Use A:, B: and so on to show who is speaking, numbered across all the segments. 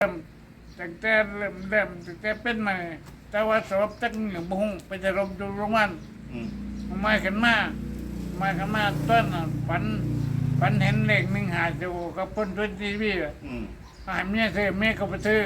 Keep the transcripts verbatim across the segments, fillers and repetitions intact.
A: ตั้งแต่เริ่มเริ่มตั้งแต่เป็นมาแต่ว่าสอบตั้งหนึ่งบุ้งไปจะรบดูโรงวันมาขึ้นมามาขึ้นมาต้นฝันฝันเห็นเลขหนึ่งหาจูกับพ้นทุนทีวีหายเมียซื้อเมียก็ไปซื้อ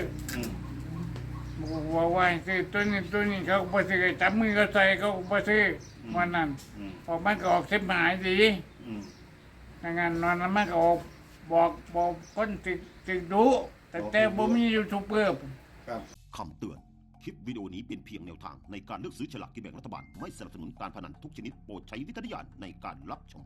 A: ว่าว่าซื้อตัวนี้ตัวนี้เขาไปซื้อจับมือเขาใส่เขาไปซื้อวันนั้นออกมันก็ออกเส้นหายดีดังนั้นนอนมันก็ออกบอกบอกคนติดติดดูแต่แต่บ่มียูทูบเบอร์
B: คำเตือนคลิปวิดีโอนี้เป็นเพียงแนวทางในการเลือกซื้อฉลากกินแบ่งรัฐบาลไม่สนับสนุนการพนันทุกชนิดโปรดใช้วิจารณญาณในการรับชม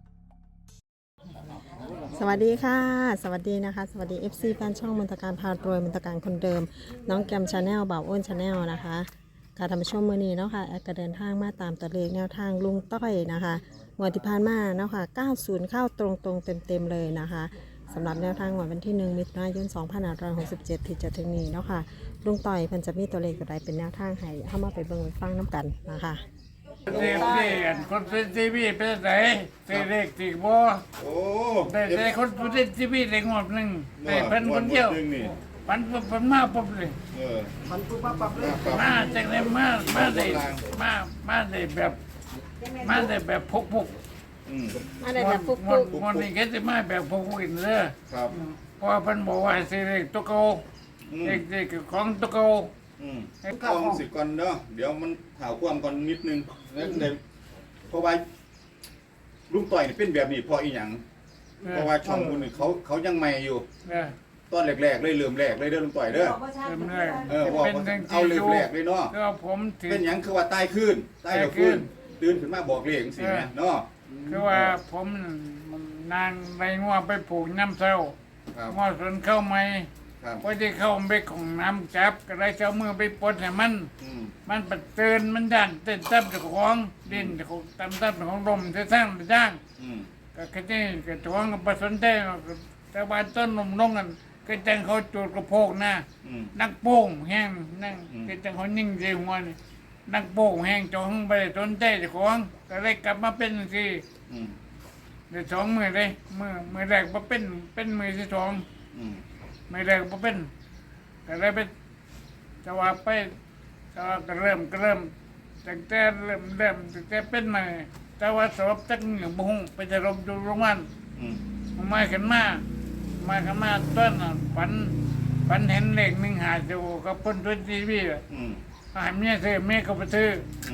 C: สวัสดีค่ะสวัสดีนะคะสวัสดี เอฟ ซี แฟนช่องมนตการพารวยมนตการคนเดิมน้องแกมชาแนลบ่าวอ้นชาแนลนะคะการทำช่วงมือนี้เนาะค่ะแอดก็เดินทางมาตามตัวเลขแนวทางลุงต้อยนะคะงวดที่ผ่านมาเนาะค่ะเก้าสิบเข้าตรงๆเต็มๆเลยนะคะสำหรับแนวทางวันที่หนึ่งมิถุนายนสองพันห้าร้อยหกสิบเจ็ดที่จะถึงนี้เนาะค่ะลุงต้อยเพิ่นจะมีตัวเลขอะไรเป็นแนวทางให้เข้ามาไปเบิ่งไปฟังน้ำกันนะคะ
A: เด็กเด็กคนเป็นทีวีเป็นไหนเด็กติบ่
D: โอ้
A: ได้ได้คนเป็นทีวีเด็กงวดหนึ่งได้เพิ่นคนเดียวปันปันมาปุ๊บเลย
D: เออ
C: มันปุ๊บปั๊บปั๊บเลย
A: มาจากไหนมามาได้มามาได้แบบมาได้แบบพกพก
C: มาได้แบบพกพก
A: วันนี้ก็จะมาแบบพกพกอีกเลย
D: ครับ
A: เพราะเพิ่นบอกว่าสิเด็กตัวเก่าเด็กเด็กของตัวเก่า
D: อืมกองสิก่อนเนาะเดี๋ยวมันข่าวความก่อนนิดนึงแล้วเดี๋ยวเพราะว่าลุงต่อยนี่เป็นแบบนี้เพราะอีหยังเพราะว่าช่องคุณเขาเขายังใหม่อยู่ตอนแรกๆเลยเริ่มแรกเลยเด้อลุงต่อยเด้อ
A: เริ่มแรก
D: เออบอกเอาเริ่มแรกเลยเนาะ
A: ก็ผม
D: เป็นหยังคือว่าใต้ขึ้นใต้ขึ้นตื่นขึ้นมาบอกเลขสิแม่เนาะ
A: คือว่าผมนางไปงัวไปปลูกน้ำเศร้างัวสวนเข้าไหมพอที่เข้าไปของน้ำจับก็ได้เจ้ามือไปปลดให้มันมันปัดเตือนมันดันเต้นตับจากของดินจากตำตับของลมจะสร้างไปสร้างก็แค่นี้ก็ท้องกับผสมได้แต่ว่าต้นนมลงกันก็จังเขาจูดกระโพกหน้านักโป่งแห้งนั่งก็จังเขานิ่งใจหัวนี่นักโป่งแห้งจองไปต้นใจจากของก็เลยกลับมาเป็นสิเดี๋ยวสองมือเลยมือมือแรกมาเป็นเป็นมือที่สองไม่แรกมาเป็นก็เลยไปจะว่าไปจะว่าก็เริ่มก็เริ่มตั้งแต่เริ่มเริ่มตั้งแต่เป็นมาแต่ว่าสอบตั้งหนึ่งบุ้งไปจะรบดูโรงวันมาขึ้นมามาขึ้นมาต้นฝันฝันเห็นเลขหนึ่งหาจูกับพ้นทุนทีวีหายเมียซื้อเมียก็ไปซื้อ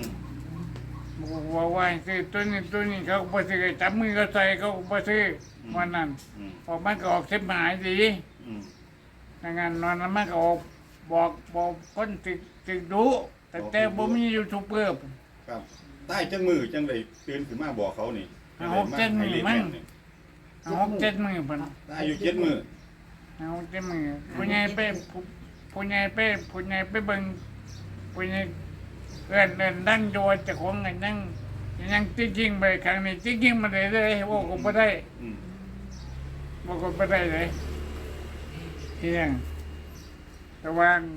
A: ว่าว่าซื้อตัวนี้ตัวนี้เขาไปซื้อจับมือเขาใส่เขาไปซื้อวันนั้นออกมันก็ออกเส้นหายดีดังนั้นนอนมันก็ออกบอกบอกคนติดติดดูแต่แต่บ่มียูทูบเบอร์
D: ครับใต้จังมือจังเลยตื่นขึ้นมาบอกเขานี่
A: หกเจ็ดมือมั้งหกเจ็ดมือพัน
D: อายุเจ็ดมือ
A: หกเจ็ดมือผู้ใหญ่ไปผู้ใหญ่ไปผู้ใหญ่ไปเบิ่งผู้ใหญ่เอิ้นเอิ้นนั่งโยจะของกันนั่งยังจริงจริงไปครั้งนี้จริงจริงมาได้เลยว่าก็ไม่ได้ว่าก็ไม่ได้เลยเที่ยงระวัง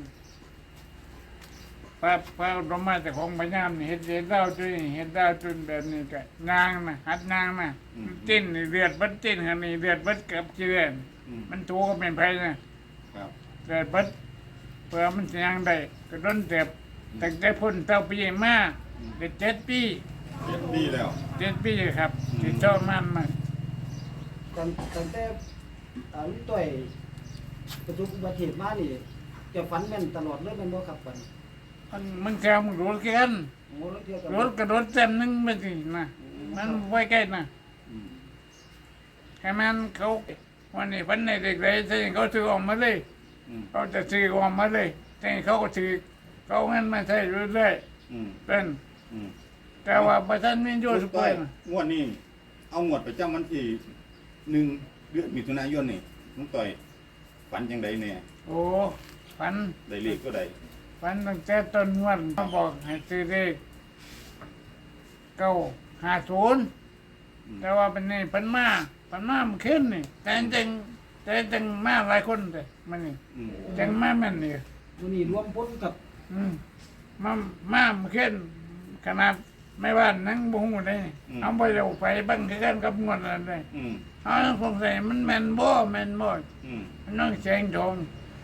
A: พระพระธรรมะจะของพญามนี่เห็นเห็นดาวจุนเห็นดาวจุนแบบนี้ก็นางนะหัดนางนะจิ้นเลือดบัดจิ้นกันนี่เลือดบัดกับเจือนมันถูก็เป็นไผนะเลือดบัดเพื่อมันยังได้ก็ร้นเจ็บตั้งแต่พ้นเต้าปีมาเด็ดเจ็ดปี
D: เจ็ดปีแล้ว
A: เจ็ดปีครับที่ชอบมันมา
E: ก่อนตั้งแต่ลุงต้อยประสบอุบัติเหตุมานี่จะฝันแม่นตลอดเลยแม่นบ่ครับฝัน
A: มันมันแซวมันรถกันรถกระโดดเต็มนึงไม่สินะมันไว้ใกล้นะแค่มันเขาวันนี้วันไหนเด็กเลยใช่เขาซื้อออกมาเลยเขาจะซื้อออกมาเลยแต่เขาก็ซื้อเขาเงินมาใช้เรื่อยๆเป็นแต่ว่าประชาชนมีโยสุไป
D: งวดนี้เอางวดไปจ้ามันที่หนึ่งเดือนมิถุนายนนี่ลุงต่อยฝันยังไงเนี่ย
A: โอ้ฝัน
D: ได้เลขก็ได้
A: ฝันตั้งแต่ต้นวันเขาบอกให้ซื้อเลขเก้าห้าศูนย์แต่ว่าเป็นนี่พันมาพันมามันขึ้นนี่แต่จริงแต่จริงมาหลายคนเลยมันนี่จังมาแม่นนี่
E: ตัวนี้รวมพ้นกับ
A: มามามันขึ้นขนาดไม่ว่านั่งบุ้งเลยเอาไปเอาไปบังกันกับงวดอะไรเอาสงสัยมันแมนบ่แมนบ่น้องแสงทอง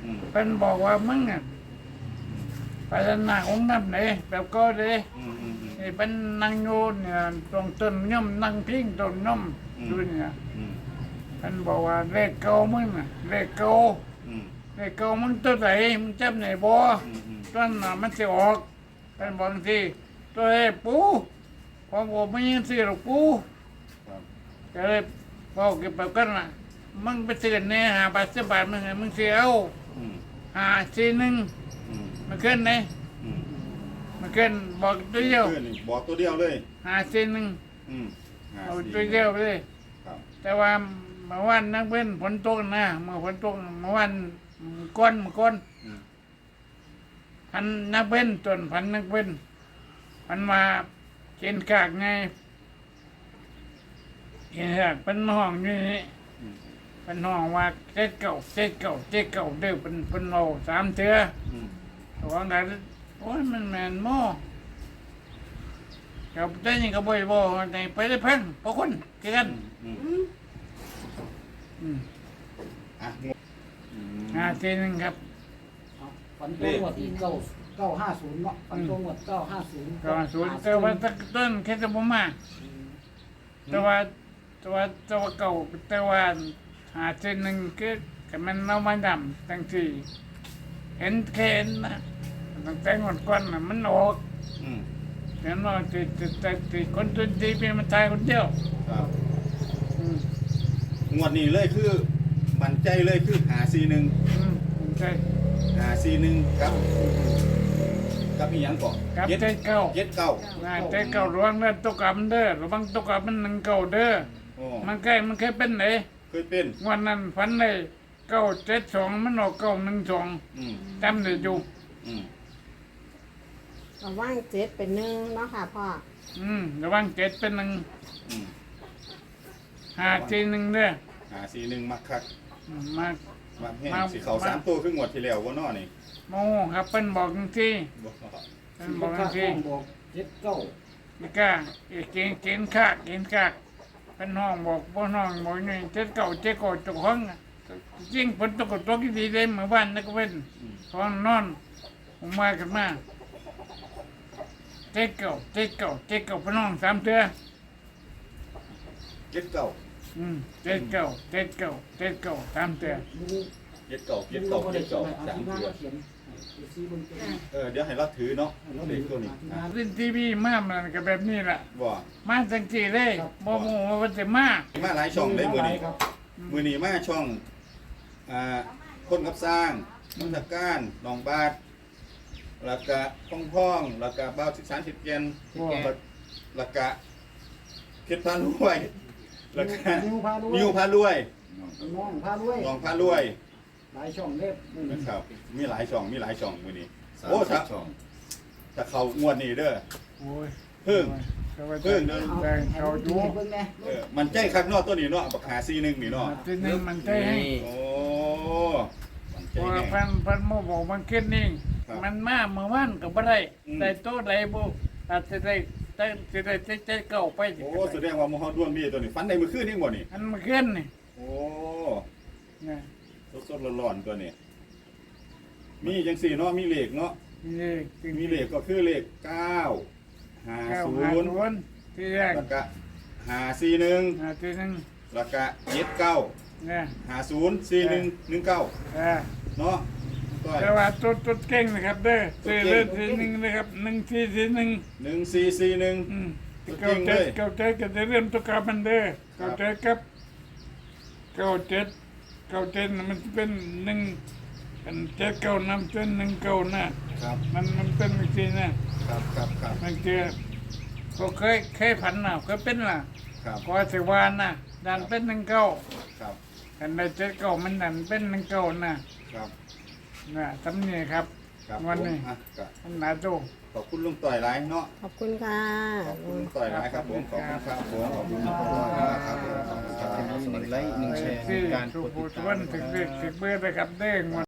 D: อืม
A: เป็นบอกว่ามึงอ่ะไปหน้าองค์น้ำไหนแบบก็เลย
D: อืมอืมอืม
A: นี่เป็นนางโยนเนี่ยตรงต้นย่อมนางพิงต้นย่อม
D: อืม
A: ดูเนี่ย
D: อืม
A: เป็นบอกว่าเลขเก่ามึงน่ะเลขเก่า
D: อืม
A: เลขเก่ามึงตัวไหนมึงจำไหนบ่
D: อืมอืม
A: ต้นน่ะมันจะออกเป็นบางทีตัวเอ้ปูพอบอกไม่ยังสิหรอกปู
D: ครับ
A: ก็เลยบอกเก็บไปกันน่ะมึงไปซื้อเนี่ยหาบาทสิบบาทมึงไงมึงเสียเอา
D: อืม
A: หาสี่หนึ่ง
D: อืม
A: มันขึ้นไหน
D: อืม
A: มันขึ้นบอกตัวเดียว
D: เพื่อนนี่บอกตัวเดียวเลย
A: หาสี่หนึ่ง
D: อืมห้
A: เอา
D: สี่
A: ตัวเดียวไปเลย
D: ครับ
A: แต่ว่าเมื่อวันนักเว้นฝนตกนะเมื่อฝนตกเมื่อวันก้อนเมื่อก้อน
D: อืม
A: พันนักเว้นจนพันนักเว้นมันมาเกินกากไงเกินกากเป็นห้องอยู่นี่
D: อืม
A: เป็นห้องว่าเจ็ดเก่าเจ็ดเก่าเจ็ดเก่าเด้อเป็นเป็นโลสามเทือ
D: อืม
A: ตัวนั้นโอ้ยมันแมนหม้อกับได้ยังก็บ่อยบ่ในไปได้เพิ่งพวกคนเกัน
D: อืมอืม
A: อืม
D: อ่ะงงอืม
A: ห้าทีหนึงครับ
E: เอาฝันตรงหมดที่เก้าเก้าห้าศูนย์เนาะฝันตรงหมดเก้าห้าศูนย์
A: ก็ศูนย์แต่ว่าตะต้นแค่จะบ่มาแต่ว่าแต่ว่าแต่ว่าเก่าแต่ว่าหาทีหนึงคือก็มันเอามาดำตั้งที่เห็นแค่เห็นนะตั้งแต่งวดก่อนน่ะมันออก
D: อืม
A: เห็นว่าติดติดติดติดคนตัวดีเป็นมันตายคนเดียว
D: ครับ
A: อืม
D: งวดนี้เลยคือมั่นใจเลยคือหาซีหนึ่ง
A: อืมใช่
D: หาซีหนึ่งครับกับอีหยังก่อน
A: กับ
D: เจ็ด
A: ใจเก่า
D: เจ็ดเก้า
A: อ่าใจเก่าระวังเด้อตกกับมันเด้อระวังตกกับมันหนึ่งเก่าเด้อ
D: โอ้
A: มันเคยมันเคยเป็นไหน
D: เคยเป็น
A: วันนั้นฝันเลยเก้าเจ็ดสองมันออกเก้าหนึ่งสอง
D: อืม
A: จำได้อยู่
D: อืม
C: ระว่างเจ็ดเป็นหนึ่งเนาะค่ะพ่อ
A: อืมระวังเจ็ดเป็นหนึ่ง
D: อืม
A: หาทีหนึ่งเด้อ
D: หาซีหนึ่งมักคัก
A: อืมมา
D: มักแห้ง
A: มา
D: สีเขา
A: มา
D: สามตัวคืองวดที่แล้วว่านอนี่
A: โมครับเป็นบอกจริงที่
D: บ่
A: เป็น
E: บ
A: บอก
E: อก
A: จริง
E: บอกเจ็ดเก้า
A: นี่กล้าเอ้ยเกณฑ์เกณฑ์ข้าเกณฑ์ข้าเป็นห้องบอกบ่ห้องบอกนี่เจ็ดเก้าเจ็ดเก้าเจุกห้องอะจริงฝนตกก็ตกดีเลยเมื่อวานนักเว้น
D: อืม
A: ห้องนอนผมมาขึ้นมาเจ็ดเก้าเจ็ดเก้าเจ็ดเก้าเป็นห้องสามเทือ
D: เจ็ดเก้า
A: อืมเจ็ดเก้าเจ็ดเก้าเจ็ดเก้าสามเทือ
E: ลุง
D: เจ็ดเก้า
E: ลุ
D: เจ็ด
E: ง
D: เก้า
E: ก็
D: เจ็
E: ได้
D: ด
E: เขีย
D: เก้าน
E: ให้อา
D: สาม
E: ทีหน้า
D: เดือ
E: ก็เขียนเดี๋ยวซีบนตัว
D: เออเดี๋ยวให้เราถือเนาะ
E: ให้เรา
D: เด็กตัวนี้
E: อาทีหน้า
A: เล่นทีวีมามันก็แบบนี้แหละ
D: บ่
A: มาจังจีเลยบ่โมว่าจะมา
D: มาหลายช่องได้มือนี้
E: ครับ
D: มือนี้มาช่องอ่าคนกับสร้างมุทการหนองบาทแล้วก็พ่องพ่องแล้วก็บ้าวสิบสามสิบเย็นแล้วก็เพชรพารวยแล้วก็
E: นิวพารวย
D: นิวพารวย
E: น้องพารวย
D: หนองพารวย
E: หลายช่องเล็บนี่
D: นะครับมีหลายช่องมีหลายช่องมือนี้
F: สาม
D: โอ้
F: สิ
D: ถ้า
F: บสอง
D: ถ้าเขางวดนี้เด้อ
A: โอ้ย
D: เพิ่ง
A: เพิ่งเดิน
E: เอา
A: แต่
E: ให้
A: เขา
E: ลุง
A: อยู่
E: เบิ่งแน่
D: เออมันใจคักเนอตัวนี้เนาะบักหาซีหนึ่งนี่เนาะ
A: ทีนึงมันใจให้
D: โอ้มันใจ
A: เพราะว่า
D: แน่
A: พันพันโมบอกมันขึ้นนี่
D: ครับ
A: มันมาเมื่อวานก็บ่ได้
D: อืม
A: ได้โตได้บ่อาจจะได้ได้จะได้ใจใจเก่าไปสิ
D: โอ้แสดงว่าหมอฮอดด้วนมีตัวนี้ฟันในมือคืนนี่บ่นี่
A: อันมาขึ้นนี่
D: โอ้
A: เนี่ย
D: สดๆร้อนๆตัวนี้ มีจังสี่เนาะมีเลขเนาะ
A: นี่จริง
D: มีเลขก็คือเลขเก้าห้า
A: เก้า
D: ศู
A: ห้าน
D: ย์
A: ศูนย์ที่แรก
D: แล้วก็ห้าสี่หนึ่ง
A: อ่าทีนึง
D: แล้วก็เจ็ดเก้า
A: เนี่ย
D: ห้าศูนย์สี่หนึ่งหนึ่งเก้า
A: อ่า
D: เนาะก็
A: แต่ว่าตัวตัวเก่งนะครับเด้อ
D: ตัว
A: สี่
D: เก่ง
A: เลขทีหนึ่งนะครับหนึ่งสี่สี่หนึ่ง
D: หนึ่งสี่สี่หนึ่ง
A: อืม
D: ตัว
A: เก้า
D: เก่ง
A: เจ็
D: เล
A: ด
D: ย
A: เก้าเจ็ดก็จะเริ่มตัวกลับมันเด้อ
D: ครั
A: เก้า
D: บ
A: เจ็ดครับเก้าเจ็ดเก้าเจ็ดน่ะมันจะเป็นหนึ่งเป็นเจ็ดเก้านำเป็นหนึ่งเก้าน่ะ
D: ครับ
A: มันมันเป็นวิธีนะครับ
D: ครับครับ
A: มันเจอเขาเคยเคยผันน่ะเคยเป็นล่ะ
D: ครับ
A: ก็สิวานน่ะดันเป็นหนึ่งเก้า
D: ครับ
A: กันได้เจ็ดเก้ามันดันเป็นหนึ่งเก้าน่ะ
D: ครับ
A: น่ะทำนี่ครับ
D: ครับ
A: วันนี้
D: ผมอ่ะก็
A: มันหนาโต
D: ขอบคุณลุงต่อยหลายเนาะ
C: ขอบคุณค่ะ
D: ขอบคุณลุงต่อยหลายครับผมขอบคุณครับผมขอบคุณครับครับผมขอบคุณครับ
F: หนึ่งไลค์หนึ่งแชร์หนึ่งการ
A: ทุ
F: ก
A: ก
F: ด
A: ผู้
F: ติด
A: ทุก
F: ตา
A: วั
F: ม
A: น
F: นะค
A: ถึง
F: รับ
A: เด็กถึงเบื่อนะครับเด้ง